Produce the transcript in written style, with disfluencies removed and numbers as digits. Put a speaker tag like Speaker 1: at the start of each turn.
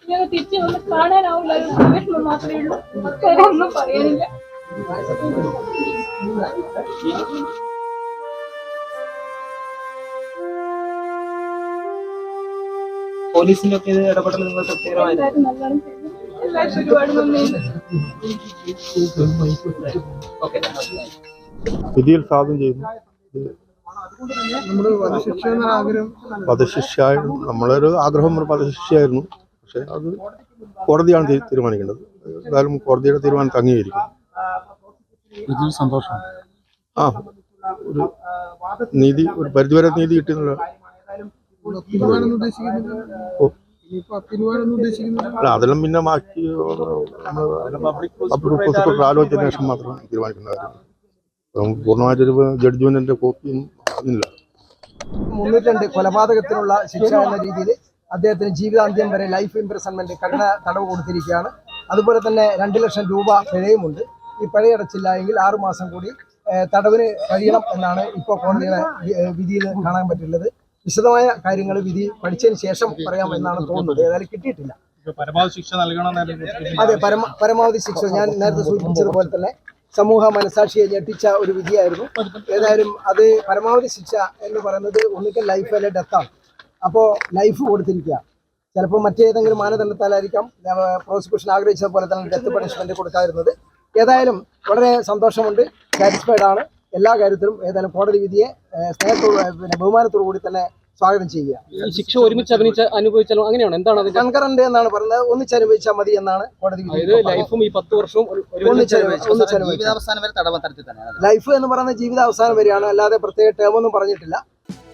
Speaker 1: ഞങ്ങൾ തിരിച്ചു വന്ന് കാണാനാവില്ല. വിഷമം മാത്രമേ ഉള്ളൂ, വേറെ ഒന്നും പറയാനില്ല.
Speaker 2: പോലീസിന്റെ ഒക്കെ ഇടപെടൽ നിങ്ങൾ
Speaker 1: എല്ലാവരും ഒരുപാട് നന്ദിയുണ്ട്.
Speaker 3: വിധിയിൽ സ്വാഗതം ചെയ്യുന്നു. വധശിക്ഷ നമ്മളൊരു ആഗ്രഹം ഒരു വധശിക്ഷയായിരുന്നു. പക്ഷെ അത് കോടതിയാണ് തീരുമാനിക്കേണ്ടത്. എന്തായാലും കോടതിയുടെ തീരുമാനത്തെ അംഗീകരിക്കും.
Speaker 4: സന്തോഷം.
Speaker 3: ഒരു നീതി, ഒരു പരിധിവരെ നീതി കിട്ടുന്നില്ല. അല്ല, അതെല്ലാം പിന്നെ ബാക്കി ആലോചിച്ചതിന് ശേഷം മാത്രം തീരുമാനിക്കുന്ന കാര്യം. പൂർണ്ണമായിട്ടൊരു ജഡ്ജ്മെന്റിന്റെ കോപ്പിയൊന്നും അതില്ല.
Speaker 5: 302 കൊലപാതകത്തിനുള്ള ശിക്ഷ എന്ന രീതിയിൽ അദ്ദേഹത്തിന് ജീവിതാന്ത്യം വരെ ലൈഫ് ഇംപ്രിസൺമെന്റ് കഠിന തടവ് കൊടുത്തിരിക്കുകയാണ്. അതുപോലെ തന്നെ 2 ലക്ഷം രൂപ പിഴയുമുണ്ട്. ഈ പിഴയടച്ചില്ല എങ്കിൽ 6 മാസം കൂടി തടവിന് കഴിയണം എന്നാണ് ഇപ്പോൾ കോടതിയുടെ വിധിയിൽ കാണാൻ പറ്റുള്ളത്. വിശദമായ കാര്യങ്ങൾ വിധി പഠിച്ചതിന് ശേഷം പറയാം എന്നാണ് തോന്നുന്നത്. ഏതായാലും കിട്ടിയിട്ടില്ല.
Speaker 4: പരമാവധി ശിക്ഷ നൽകണം.
Speaker 5: അതെ, പരമാവധി ശിക്ഷ ഞാൻ നേരത്തെ സൂചിപ്പിച്ചതുപോലെ തന്നെ സമൂഹ മനസാക്ഷിയെ ഞെട്ടിച്ച ഒരു വിധിയായിരുന്നു. ഏതായാലും അത് പരമാവധി ശിക്ഷ എന്ന് പറയുന്നത് ഒന്നുകിൽ ലൈഫ് അല്ലെ ഡെത്താണ്. അപ്പോൾ ലൈഫ് കൊടുത്തിരിക്കുക. ചിലപ്പോൾ മറ്റേതെങ്കിലും മാനദണ്ഡത്താലായിരിക്കാം പ്രോസിക്യൂഷൻ ആഗ്രഹിച്ചതുപോലെ തന്നെ ഡെത്ത് പണിഷ്മെന്റ് കൊടുക്കാതിരുന്നത്. ഏതായാലും വളരെ സന്തോഷമുണ്ട്, സാറ്റിസ്ഫൈഡ് ആണ് എല്ലാ കാര്യത്തിലും. ഏതായാലും കോടതി വിധിയെ സ്നേഹത്തോട് ബഹുമാനത്തോടു കൂടി തന്നെ സ്വാഗതം ചെയ്യുക.
Speaker 2: ഈ ശിക്ഷ ഒരുമിച്ച് അനുഭവിച്ചാലും അങ്ങനെയാണ്, എന്താണ്
Speaker 5: കൺകറന്റ് എന്നാണ് പറയുന്നത്. ഒന്നിച്ചനുഭവിച്ചാൽ മതി എന്നാണ് കോടതി വിധി.
Speaker 2: ലൈഫും ഈ 10 വർഷവും
Speaker 5: ലൈഫ് എന്ന് പറയുന്നത് ജീവിതാവസാനം വരെയാണ്, അല്ലാതെ പ്രത്യേക ടേം ഒന്നും പറഞ്ഞിട്ടില്ല.